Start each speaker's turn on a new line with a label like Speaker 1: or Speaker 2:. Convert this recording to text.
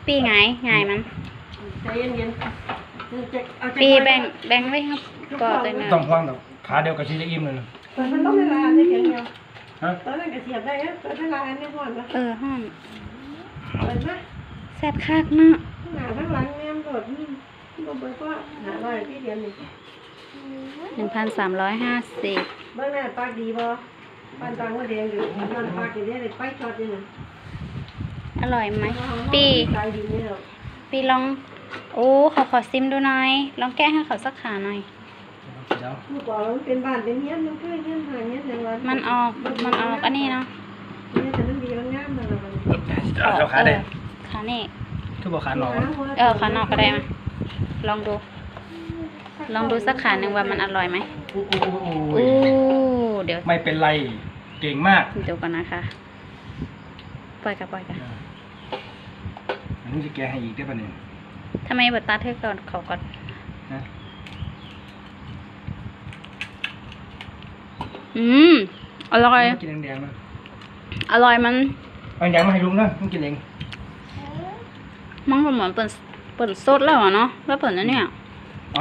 Speaker 1: ปีไงมัน
Speaker 2: ใจเย็นๆ
Speaker 1: ปีแบ่งไว้ครับก็ตัวนึง
Speaker 3: ต้องพวางแบบขาเดียวกับชิ้นจะอิ่มเลยนะ
Speaker 2: มันต้องเวลาได้เพียงเดียวตอนนั้นก็เสียบได้ตอนเวลาอันนี้ห่อนนะ
Speaker 1: ห่อน
Speaker 2: เปิดไหม
Speaker 1: แซ่บคักเนาะ
Speaker 2: ทั้งหลังแม่มโดดบ่เปิดก็หาร้อยที่เดียวนี่
Speaker 1: 1,350
Speaker 2: เบิ่งหน้าปากดีบ่ปานตางว่าแดงอยู่นอนปากอยู่เนี่ยเลยไปช็อตอยู่น่ะ
Speaker 1: อร่อยไหมปีลองโอ้ขอซิมดูหน่อยลองแก้ให้เขาสักขาหน่อย
Speaker 2: เมื่อก่อนมันเป็นบ้านเป็นเฮียนมันเคยเฮียนหาเฮียนอย่างวัน
Speaker 1: มันออกอันนี้เนาะ
Speaker 2: เนี่ยแต่มันดีมันงามมัน
Speaker 3: เอาขาได้
Speaker 1: ขานี่
Speaker 3: คือบอกขาหนอก
Speaker 1: ขานอกก็ได้ไหมลองดูสักขาหนึ่งว่ามันอร่อยไหมเดี๋ยว
Speaker 3: ไม่เป็นไรเก่งมาก
Speaker 1: เดี๋ยวก่อนนะคะปล่อยกัน
Speaker 3: อันนี้จะแกให้อีกได้ป่ะเนี่ย
Speaker 1: ทำไมบัตตาเธอก่อนเขาก่อนอร่อย
Speaker 3: กินแดงๆนะ
Speaker 1: อร่อยมัน
Speaker 3: แดงมาให้ลุงนะมึงกินเอง
Speaker 1: มันก็เหมือนเปิดสดแล้วเนาะแล้วเปิดนั่นเนี่ย